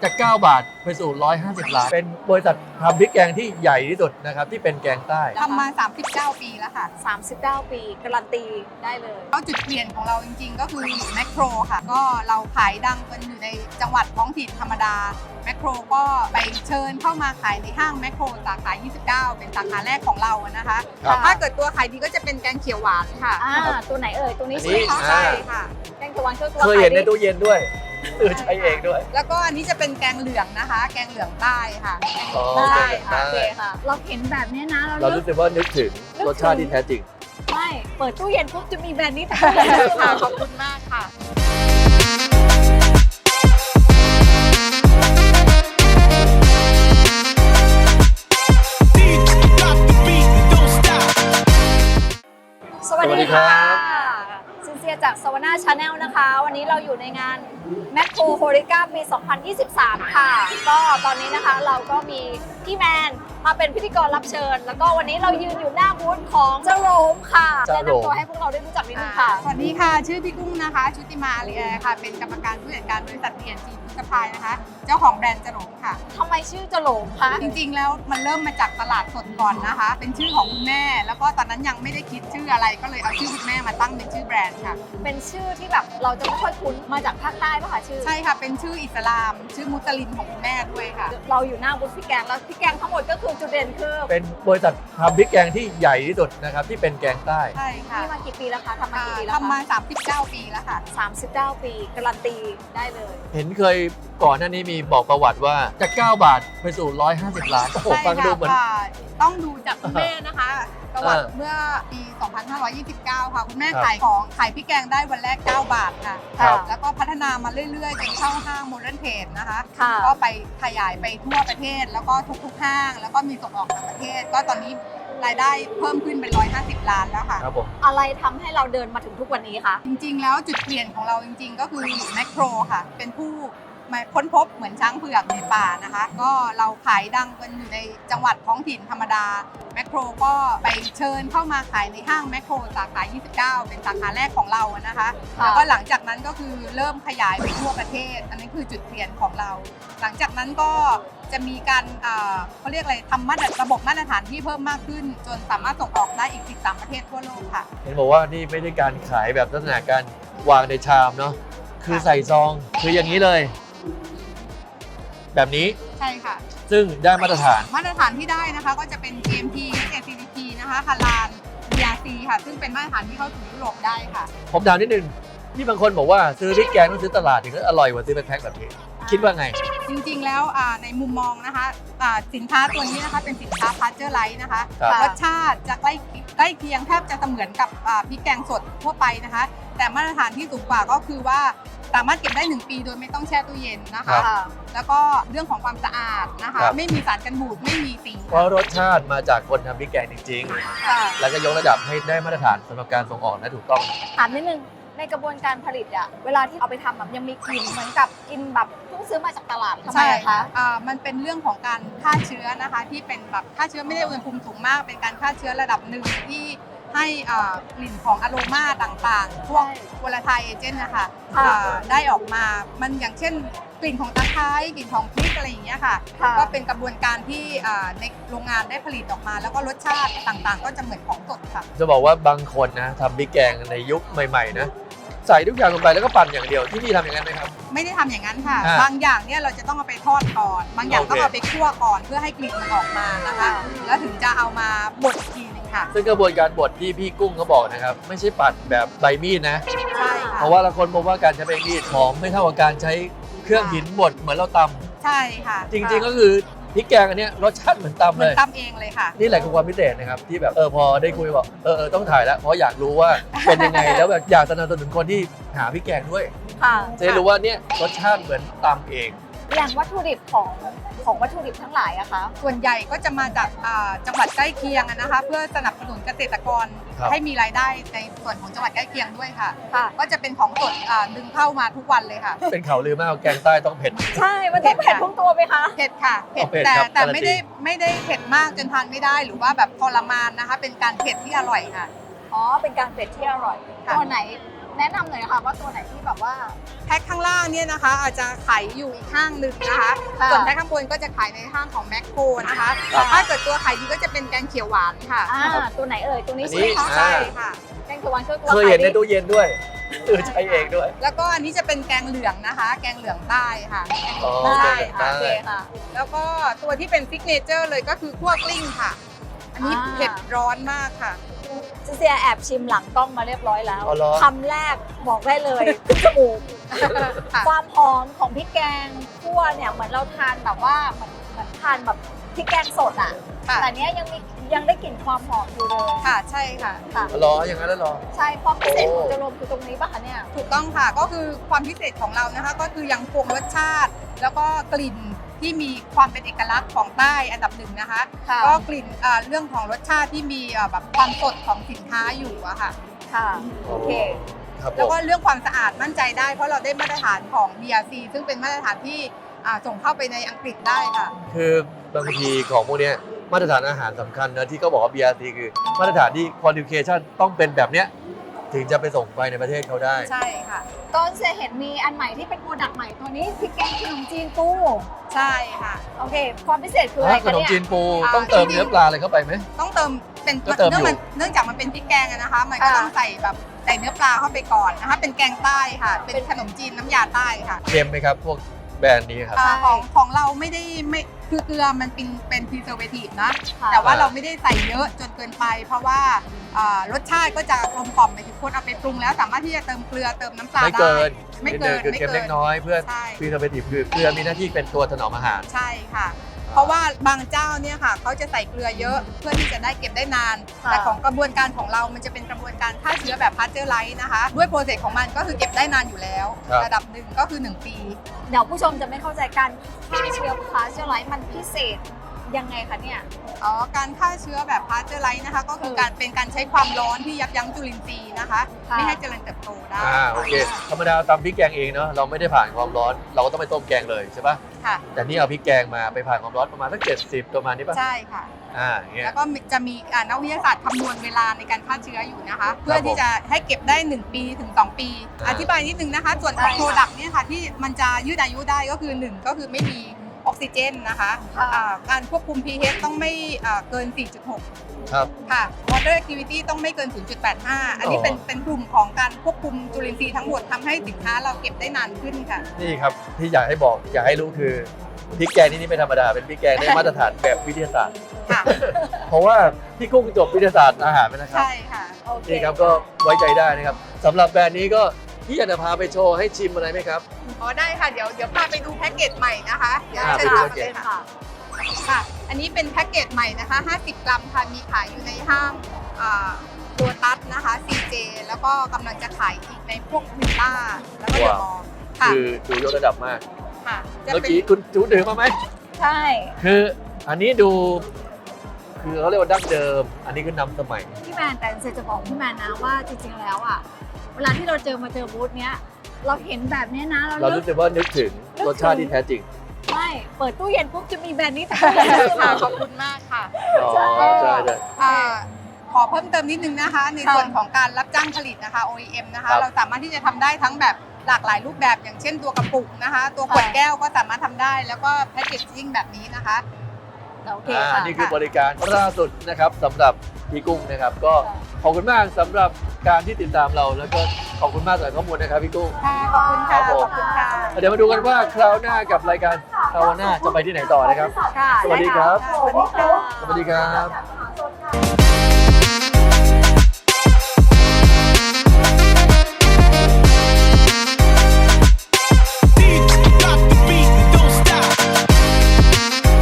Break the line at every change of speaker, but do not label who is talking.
จาก9 บาทไปสู่150 ล้านเป็นบริษัททำพริกแกงที่ใหญ่ที่สุดนะครับที่เป็นแกงใต้
ทำมา39 ปีแล้วค่ะ
39 ปีการันตีได้เลย
แล้วจุดเปลี่ยนของเราจริงๆก็คือแมคโครค่ะก็เราขายดังกันอยู่ในจังหวัดท้องถิ่นธรรมดาแมคโครก็ไปเชิญเข้ามาขายในห้างแมคโครสาขา29เป็นสาขาแรกของเรานะคะ
ครับ
ถ้าเกิดตัวขายดีก็จะเป็นแกงเขียวหวานค่ะ
ตัวไหนเอ่ยตัวนี้
อัน
ใช่
นี้
ไหมคะ
ใช่ค่ะ
แกงเขียวหวานคือตัว
เคยเห็นใน
ขายดี
ตู้เย็นด้วยใช้เองด้วย
แล้วก็อันนี้จะเป็นแกงเหลืองนะคะ แกงเหลืองใต้ค่ะ
อ๋อ
ได้
แกง
ค่ะ
ใต้
โอเคค่ะ เราเห็นแบบนี้นะ
เรารู้สึกว่านึกถึงรสชาติที่แท้จริง
ไม่เปิดตู้เย็นปุ๊บจะมีแบรนด์นี้แต่
ค่ะขอบคุณมากค่ะ
สวัส
สวัสดี
ดี
ครั
ค่ะ
บ
ซินเซียจากสวนาชาแนลนะคะ วันนี้เราอยู่ในงานแมคโครโฮริก้าปี 2023 ค่ะ ก็ตอนนี้นะคะเราก็มีพี่แมนมาเป็นพิธีกรรับเชิญ แล้วก็วันนี้เรายืนอยู่หน้าบูธของเจ้าโรมค่ะ
เจ้า
แนะ
โรม
นำตัวให้พวกเราได้รู้จักนิดนึงค่ะ
สวัสดีค่ะ ชื่อพี่กุ้งนะคะ ชุติมาอารีแอร์ค่ะ เป็นกรรมการผู้จัดการบริษัท TNG ฟู้ดซัพพลายนะคะ เจ้าของแบรนด์จรงค่ะ
ทำไมชื่อเจ้าโรมคะ
จริงๆ แล้วมันเริ่มมาจากตลาดสดก่อนนะคะ เป็นชื่อของคุณแม่ แล้วก็ตอนนั้นยังไม่ได้คิดชื่ออะไร ก็เลยเอาชื่อคุณแม่มาตั้งเป็นชื่อแบรนด์ค่ะ
เป็นชื่อที่แบบเราจะไม่ค่อยคุ้นมาจากภาคใต้ป่ะคะชื่อ
ใช่ค่ะ เป็นชื่ออิสลาม ชื่อมุสลิมของคุณแม่ด้วยค่ะ
เราอยู่หน้าบูธพี่แกงแล้วพี่แกงทั้งหมดก็คือจุดเด่นคือ
เป็นบริษัททำพริกแกงที่ใหญ่ที่สุดนะครับที่เป็นแกงใต้
ใช่ค่ะ
นี่มากี่ปีแล้วคะทำมากี่ปีแล้ว
ทำมา
คะ
39 ปีแล้วค่ะ
39 ปีการันตีได้เลย
เห็นเคยก่อนหน้านี้มีบอกประวัติว่าจาก9 บาทไปสู่150 ล้านโอ้โห
ใช่
ฟังดู
ค่ะ
เหมือน
ต้องดูจากคุณแม่นะคะประวัติ
อ่า
เมื่อปี 2529 ค่ะ คุณแม่
ครับ
ขายพริกแกงได้วันแรก 9 บาทค่ะ
ครับ
แล้วก็พัฒนามาเรื่อยๆ จนเข้าห้างโมเดิร์นเทรดนะคะ
ค่ะ
ก็ไปขยายไปทั่วประเทศ แล้วก็ทุกๆห้าง แล้วก็มีส่งออกต่างประเทศ ก็ตอนนี้รายได้เพิ่มขึ้นเป็น 150 ล้านแล้วค่ะ
ครับผม
อะไรทำให้เราเดินมาถึงทุกวันนี้คะ
จริงๆ แล้วจุดเปลี่ยนของเราจริงๆ ก็คือแมคโครค่ะ เป็นผู้มาค้นพบเหมือนช้างเผือกในป่านะคะ ก็เราขายดังกันอยู่ในจังหวัดท้องถิ่นธรรมดาแมคโครก็ไปเชิญเข้ามาขายในห้างแมคโครสาขา29 เป็นสาขาแรกของเรานะคะ
ค่ะ
แล้วก็หลังจากนั้นก็คือเริ่มขยายไปทั่วประเทศ อันนี้คือจุดเปลี่ยนของเรา หลังจากนั้นก็จะมีการเขาเรียกอะไรทำระบบมาตรฐานที่เพิ่มมากขึ้น จนสามารถส่งออกได้อีก13ประเทศทั่วโลกค่ะ
เห็นบอกว่านี่ไม่ได้การขายแบบลักษณะการวางในชามเนาะคือใส่ซองคืออย่างนี้เลย แบบนี้
ใช่ค่ะ
ซึ่งได้มาตรฐาน
มาตรฐานที่ได้นะคะก็จะเป็น GMP GCP นะคะฮาลาล BRC ค่ะ ซึ่งเป็นมาตรฐานที่เข้าถึงยุโรปได้ค่ะ
ผมถามนิดนึงนี่บางคนบอกว่าซื้อพริกแกงต้องซื้อตลาดถึงจะอร่อยกว่าซื้อเป็นแพ็คแบบนี้ คิดว่าไง
จริงๆแล้วในมุมมองนะคะสินค้าตัวนี้นะคะเป็นสินค้าพาสเจอร์ไลท์นะคะ
ครับ
รสชาติจะใกล้เคียงแทบจะเสมือนกับพริกแกงสดทั่วไปนะคะ แต่มาตรฐานที่สูงกว่าก็คือว่าสามารถเก็บได้ 1 ปีโดยไม่ต้องแช่ตู้เย็นนะ
ครั
คะ
บ
แล้วก็เรื่องของความสะอาดนะคะ
ครับ
ไม่มีสารกันบูดไม่มีสี
เพราะรสชาติมาจากคนทำพริกแกงจริง
ค่ะ
ๆ แล้วก็ยกระดับให้ได้มาตรฐานสำหรับการส่งออกและถูกต้อง
ถามนิดนึงในกระบวนการผลิตอะเวลาที่เอาไปทำแบบยังมีกลิ่นเหมือนกับกินแบบเพิ่งซื้อมาจากตลาดทำไม
ใช่
อะคะ
มันเป็นเรื่องของการฆ่าเชื้อนะคะ ที่เป็นแบบฆ่าเชื้อไม่ได้อุณหภูมิสูงมาก เป็นการฆ่าเชื้อระดับหนึ่งที่ให้กลิ่นของอะโรมาต่างๆ พวกวอลาไทเอเจนต์นะคะ
ค่ะ
ได้ออกมา มันอย่างเช่นกลิ่นของตะไคร้กลิ่นของพริกอะไรอย่างเงี้ยค่ะ
ค่ะ
ก็เป็นกระบวนการที่ในโรงงานได้ผลิตออกมา แล้วก็รสชาติต่างๆ ก็จะเหมือนของสดค่ะ
จะบอกว่าบางคนนะทำพริกแกงในยุคใหม่ๆนะใส่ทุกอย่างลงไปแล้วก็ปั่นอย่างเดียวที่นี่ทำอย่างนั้นไหมครับ
ไม่ได้ทำอย่างนั้นค่ะ
อ่า
บางอย่างเนี่ยเราจะต้องเอาไปทอดก่อน บางอย่าง
โอเค
ต้องเอาไปคั่วก่อนเพื่อให้กลิ่นมันออกมานะคะ แล้วถึงจะเอามาบดอีกทีหนึงค่ะ
ซึ่งกระบวนการบดที่พี่กุ้งเขาบอกนะครับไม่ใช่ปั่นแบบใบมีดนะ
ใช่ค่ะ
เพราะว่าละคนพบว่าการใช้ใบมีดหอมไม่เท่ากับการใช้เครื่องหินบดเหมือนเราตำ
ใช่ค่ะ
จริงๆก็คือพริกแกงอันเนี้ยรสชาติเหมือนตำ
เหมื
เล
อน
ย
ตำเองเลยค่ะ
นี่แหละคือความพิเศษนะครับที่แบบพอได้คุยบอกต้องถ่ายแล้วเพราะอยากรู้ว่าเป็นยังไง แล้วแบบอยากสนับสนุนคนที่หาพริกแกงด้วย
ค่ะ
จะได้รู้ว่าเนี่ยรสชาติเหมือนตำเอง
อย่างวัตถุดิบของวัตถุดิบทั้งหลายอะคะ
ส่วนใหญ่ก็จะมาจากจังหวัดใกล้เคียงอะนะคะ เพื่อสนับสนุนเกษตรกร
ครับ
ให้มีรายได้ในส่วนของจังหวัดใกล้เคียงด้วยค่ะ
ค่ะ
ก็จะเป็นของสดดึงเข้ามาทุกวันเลยค่ะ
เป็นข่าวลือมากว่าแกงใต้ต้องเผ็ด
ใช่ มันต้องเผ็ดทุกตัวไหมคะ
เผ็ดค่ะเผ็ด
เอาเผ็ด
แต่
ครับ
แต่
การันตี
ไม่ได้เผ็ดมากจนทานไม่ได้หรือว่าแบบทรมานนะคะ เป็นการเผ็ดที่อร่อยค่ะ
อ๋อ เป็นการเผ็ดที่อร่อย
ค่ะ
ตัวไหนแนะนำหน่อยค่ะว่าตัวไหนที่แบบว่า
แพ็คข้างล่างเนี่ยนะคะ อาจจะขายอยู่อีกห้างหนึ่งนะคะ
ค่ะ
ส่วนแพ็คข้างบนก็จะขายในห้างของแมคโครนะคะ
ครับ
ถ้าเกิดตัวขายดีก็จะเป็นแกงเขียวหวานค่ะ
ตัวไหนเอ่ยตัวนี้
อัน
ใช่
นี้
ไหมคะ
ใช่ค่ะ
แกงเขียวหวานคือตัว
เคยเห็นใน
ขายดี
ตู้เย็นด้วยใช้เองด้วย
แล้วก็อันนี้จะเป็นแกงเหลืองนะคะ แกงเหลืองใต้ค่ะ
อ๋อ
ใช่
แกงเหลืองใต้
ค่ะ
โอเคค่ะ
แล้วก็ตัวที่เป็นซิกเนเจอร์เลยก็คือคั่วกลิ้งค่ะ อันนี้เผ็ดร้อนมากค่ะ
เซียแอบชิมหลังกล้องมาเรียบร้อยแล้ว
อ๋อเหรอ
คำแรกบอกได้เลยขึ้นจมูก
ค่ะ
ความหอมของพริกแกงคั่วเนี่ยเหมือนเราทานแบบว่าเหมือนทานแบบพริกแกงสดอ่ะ
ค่ะ
แต่เนี้ยยังได้กลิ่นความหอมอยู่เลย
ค่ะใช่ค่ะ
ค่ะ
รออย่างนั้นแล้วรอ
ใช่ความพิเศษ
โอ้
ของจะรวมคือตรงนี้ป่ะคะเนี่ย
ถูกต้องค่ะก็คือความพิเศษของเรานะคะ ก็คือยังคงรสชาติ แล้วก็กลิ่นที่มีความเป็นเอกลักษณ์ของใต้อันดับหนึ่งนะคะ
ค่ะ
ก็กลิ่นเรื่องของรสชาติที่มีแบบความสดของสินค้าอยู่อะค่ะ
ค่ะโอเค
ครับผ
แล้ว
ม
ก็เรื่องความสะอาดมั่นใจได้เพราะเราได้มาตรฐานของ BRC ซึ่งเป็นมาตรฐานที่ส่งเข้าไปในอังกฤษได้ค่ะ
คือบางทีของพวกเนี้ยมาตรฐานอาหารสำคัญนะที่เขาบอกว่า BRC คือมาตรฐานที่ qualification ต้องเป็นแบบเนี้ยถึงจะไปส่งไปในประเทศเขาได้
ใช่ค่ะ
ต้นเสียเห็นมีอันใหม่ที่เป็นโปรดักต์ใหม่ตัวนี้พริกแกงขนมจีนปู
ใช่ค่ะ
โอเค ความพิเศษคืออะไร
ข
คะ
นม
เนี่ย
จีนปู
อ่า
ต้องเติมเนื้อปลาอะไรเข้าไปไหม
ต้องเติมเป็น
ก็เติมอยู่
เนื่องจากมันเป็นพริกแกงอะนะคะ มันก็
ค่ะ
ต้องใส่แบบใส่เนื้อปลาเข้าไปก่อนนะคะ เป็นแกงใต้ค่ะ เป็นขนมจีนน้ำยาใต้ค่ะ
เค็มไหมครับ พวกแบรนด์นี้ครับ
ของเราไม่คือเกลือมันเป็น preservative นะ
ค่ะ
แต่ว่าเราไม่ได้ใส่เยอะจนเกินไป เพราะว่ารสชาติก็จะกลมกล่อมไปถึงคนเอาไปปรุงแล้วสามารถที่จะเติมเกลือเติมน้ำปลา
ไม่
ได้
เกิน
ไม่เกิน
คือเค็มเล็กน้อยเพื่อ
ใช่
พรีเซอร์เวทีฟคือเกลือมีหน้าที่เป็นตัวถนอมอาหาร
ใช่ค่ะ เพราะว่าบางเจ้าเนี่ยค่ะเขาจะใส่เกลือเยอะเพื่อที่จะได้เก็บได้นาน
ค่ะ
แต่ของกระบวนการของเรามันจะเป็นกระบวนการฆ่าเชื้อแบบพาสเจอร์ไลท์นะคะ ด้วยโปรเซสของมันก็คือเก็บได้นานอยู่แล้ว
ครับ
ระดับหนึ่งก็คือ 1 ปี
เดี๋ยวผู้ชมจะไม่เข้าใจการฆ่าเชื้อพาสเจอร์ไลท์มันพิเศษยังไงคะเนี่ย
การฆ่าเชื้อแบบพาสเจอร์ไลท์นะคะ ก็คือการเป็นการใช้ความร้อนที่ยับยั้งจุลินทรีย์นะคะ
ค่ะ
ไม่ให้เจริญเติบโตได้
โอเค ธรรมดาตำพริกแกงเองเนาะเราไม่ได้ผ่านความร้อน เราก็ต้องไปต้มแกงเลยใช่ปะ
ค่ะ
แต่นี่เอาพริกแกงมาไปผ่านความร้อนประมาณสัก70ประมาณนี้ปะ
ใช่ค่ะ
อย่างเงี้ย
แล้วก็จะมีนักวิทยาศาสตร์คำนวณเวลาในการฆ่าเชื้ออยู่นะคะ เพื่อที่จะให้เก็บได้ 1 ปีถึง 2 ปี
อ่า
อธิบายนิดนึงนะคะ ส่วนของ
ได้ค่ะ
โปรดักต์เนี่ยค่ะที่มันจะยืดอายุได้ก็คือ 1 ก็คือไม่มีออกซิเจนนะคะ
ค่ะ
การควบคุม pH ต้องไม่เกิน 4.6
ครับ
ค่ะ water activity ต้องไม่เกิน 0.85 อันนี้เป็นกลุ่มของการควบคุมจุลินทรีย์ทั้งหมดทำให้สินค้าเราเก็บได้นานขึ้นค่ะ
นี่ครับที่อยากให้บอกอยากให้รู้คือพริกแกงนี่ไม่ธรรมดาเป็นพริกแกงได้มาตรฐานแบบวิทยาศาสตร์
ค่ะ
เพราะว่าพี่กุ้งจบวิทยาศาสตร์อาหารไปนะครับ
ใช่ค่ะ
โอเค
นี่ครับก็ไว้ใจได้นะครับสำหรับแบรนด์นี้ก็พี่อยากจะพาไปโชว์ให้ชิมอะไรไหมครับ
อ๋อได้ค่ะ เดี๋ยวพาไปดูแพ็กเกจใหม่นะคะเดี๋ยว
อ่า
เชิญ
ไปดู
ตาม
แพ็กเก
เล
จ
ยค่ะ ค่ะ อันนี้เป็นแพ็กเกจใหม่นะคะ 50 กรัมค่ะ มีขายอยู่ในห้างตัวตัสนะคะ CJ แล้วก็กำลังจะขายอีกในพวกวิลล่า แล้วก็เดอะมอลล์ค่ะ
คือดูยกระดับมาก
ค่ะ จะ
เมื่อ
เป็น
กี้คุณจูดื่มมาไหม
ใช่
คืออันนี้ดูคือเขาเรียกว่าดั้งเดิม อันนี้คือนำสมัย
พี่แมนแต่เซจะบอกพี่แมนนะว่าจริงๆแล้วอ่ะเวลาที่เราเจอบูธเนี้ยเราเห็นแบบเนี้ยนะ
เรารู้สึกว่านึกถึงรสชาติที่แท้จริง
ใช่เปิดตู้เย็นปุ๊บจะมีแบรนด์นี้ทั้งตู้เย็น
ค่ะ ขอบคุณมากค่ะ
อ๋อ
ใช่
ใช่ใช่
ขอเพิ่มเติมนิดนึงนะคะ ในส่วนของการรับจ้างผลิตนะคะ OEM นะคะ
ครับ
เราสามารถที่จะทำได้ทั้งแบบหลากหลายรูปแบบอย่างเช่นตัวกระปุกนะคะ ตัวขวดแก้วก็สามารถทำได้ แล้วก็แพคเกจจิ้งแบบนี้นะคะ
โอเคค่ะ
นี่คือบริการล่าสุดนะครับสำหรับพี่กุ้งนะครับ ก็ขอบคุณมากสำหรับการที่ติดตามเราแล้วก็ขอบคุณมากสำหรับข้อมูลนะครับพี่กุ้ง
ค่ะ ขอบคุณ
ครั
ค่ะ
บผม
ขอบคุณค่ะ
เดี๋ยวมาดูกันว่าคราวหน้ากับรายการคราวหน้าจะไปที่ไหนต่อนะครับ
ค่ะ
สวัสดีครับ
สวัสดีค่ะ
สวัสดีครับ